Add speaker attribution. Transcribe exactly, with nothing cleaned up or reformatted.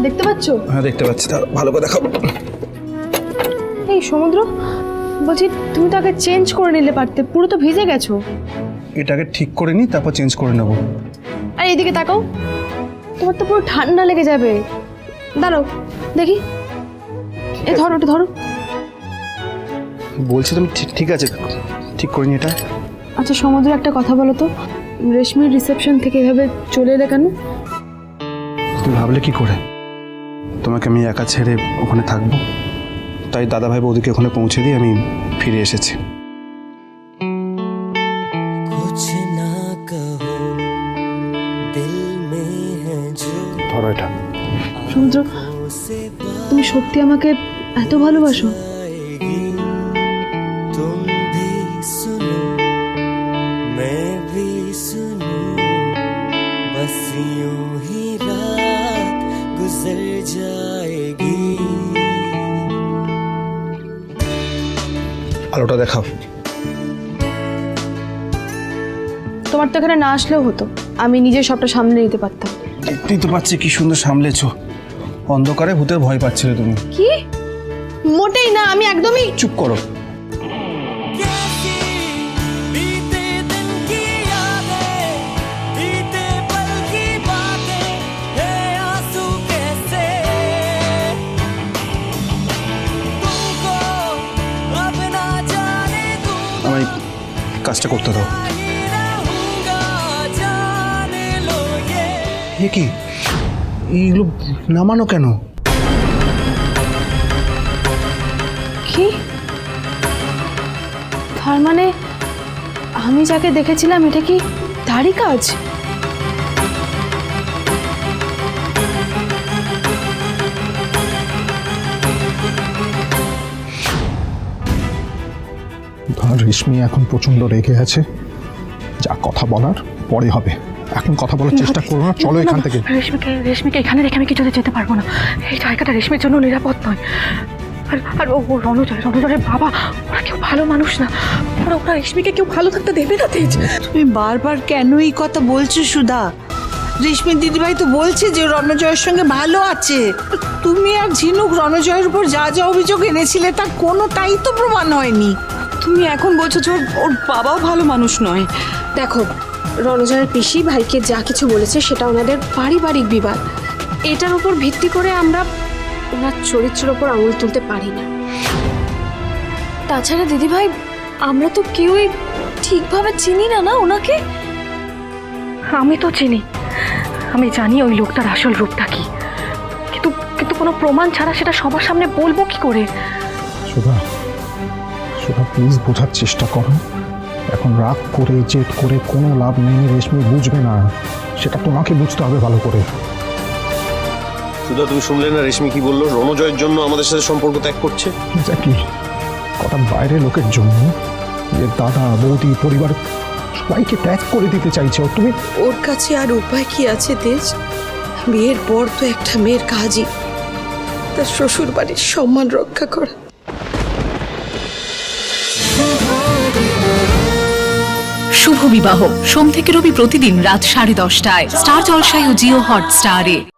Speaker 1: দেখতে পাচ্ছো?
Speaker 2: হ্যাঁ দেখতে পাচ্ছি, তা ভালো করে দেখাও।
Speaker 1: এই সমুদ্র, বলছি তুমি তো আগে চেঞ্জ করে নিলে পারতে, পুরো তো ভিজে গেছো।
Speaker 2: এটাকে ঠিক করে নিই, তারপর চেঞ্জ করে নেব।
Speaker 1: আর এদিকে তাকাও, তোমার তো পুরো ঠান্ডা লেগে যাবে। দাঁড়াও দেখি, এ ধরো, ওটা ধরো।
Speaker 2: বলছি তুমি ঠিক ঠিক আছে, ঠিক করে নি এটা।
Speaker 1: আচ্ছা সমুদ্র, একটা কথা বলো তো, রেশমির রিসেপশন থেকে এভাবে চলে এলে কেন?
Speaker 2: তুমি ভাবলে কি করে তোমাকে আমি একা ছেড়ে ওখানে থাকবো? তাই দাদাভাই বৌদিকে ওখানে পৌঁছে দিয়ে আমি ফিরে এসেছি। ধরো এটা।
Speaker 1: সমুদ্র, তুমি সত্যি আমাকে এত ভালোবাসো?
Speaker 2: আলোটা দেখাও।
Speaker 1: তোমার তো এখানে না আসলেও হতো, আমি নিজে সবটা সামলে নিতে পারতাম।
Speaker 2: দেখতেই তো পাচ্ছি কি সুন্দর সামলেছো। অন্ধকারে ভূতের ভয় পাচ্ছিলে তুমি।
Speaker 1: কি? মোটেই না, আমি একদমই।
Speaker 2: চুপ করো। আমায় কাজটা করতে দাও। এ কি, এইগুলো নামানো কেন?
Speaker 1: কি? তার মানে আমি যাকে দেখেছিলাম এটা কি তারই কাজ?
Speaker 3: রেশমি এখন প্রচন্ড রেগে আছে, যা কথা বলার পরে হবে, এখন কথা বলার চেষ্টা করো না। চলো এখান থেকে।
Speaker 4: রেশমিকে রেশমিকে এখানে রেখে আমি কিছুতে যেতে পারবো না। এই জায়গাটা রেশমির জন্য নিরাপদ নয়। আর আর ও রণজয় রণজয়ের বাবা, ওরা কেউ ভালো মানুষ না। ওরা ওরা রেশমিকে কেউ ভালো থাকতে দেবে না। তেজ,
Speaker 5: তুমি বারবার কেন এই কথা বলছো সুধা? রেশমির দিদিভাই তো বলছে যে রণজয়ের সঙ্গে ভালো আছে। তুমি আর ঝিনুক রণজয়ের উপর যা যা অভিযোগ এনেছিলে তার কোনোটাই তো প্রমাণ হয়নি।
Speaker 4: তুমি এখন বলছো যে ওর বাবাও ভালো মানুষ নয়।
Speaker 6: দেখো, রণজয়ের পিসি ভাইকে যা কিছু বলেছে সেটা ওনাদের পারিবারিক বিবাদ। এটার উপর ভিত্তি করে আমরা ওনার চরিত্রের ওপর আঙুল তুলতে পারি না। তাছাড়া দিদিভাই, আমরা তো কেউই ঠিকভাবে চিনি না না ওনাকে।
Speaker 4: আমি তো চিনি, আমি জানি ওই লোকটার আসল রূপটা কি, কিন্তু কিন্তু কোনো প্রমাণ ছাড়া সেটা সবার সামনে বলবো কি করে?
Speaker 3: সুধা, সুধা প্লিজ বোঝার চেষ্টা করো। এখন রাগ করে জেদ করে কোনো লাভ নেই। রেশমি বুঝবে না, সেটা তোমাকে বুঝতে হবে ভালো করে।
Speaker 7: সুধা, তুমি শুনলে না রেশমি কি বললো? রণজয়ের জন্য আমাদের সাথে সম্পর্ক ত্যাগ করছে।
Speaker 3: এক্স্যাক্টলি, কটা বাইরের লোকের জন্য যে দাদা বৌদি পরিবার সবাইকে ত্যাগ করে দিতে চাইছে। ও তুমি
Speaker 5: ওর কাছে আর উপায় কি আছে তেজ? বিয়ের পর তো একটা মেয়ের কাজই তার শ্বশুর বাড়ির সম্মান রক্ষা করা।
Speaker 8: শুভ বিবাহ সোম থেকে রবি প্রতিদিন রাত সাড়ে দশটায় স্টার জলসায় ও জিও হটস্টারে।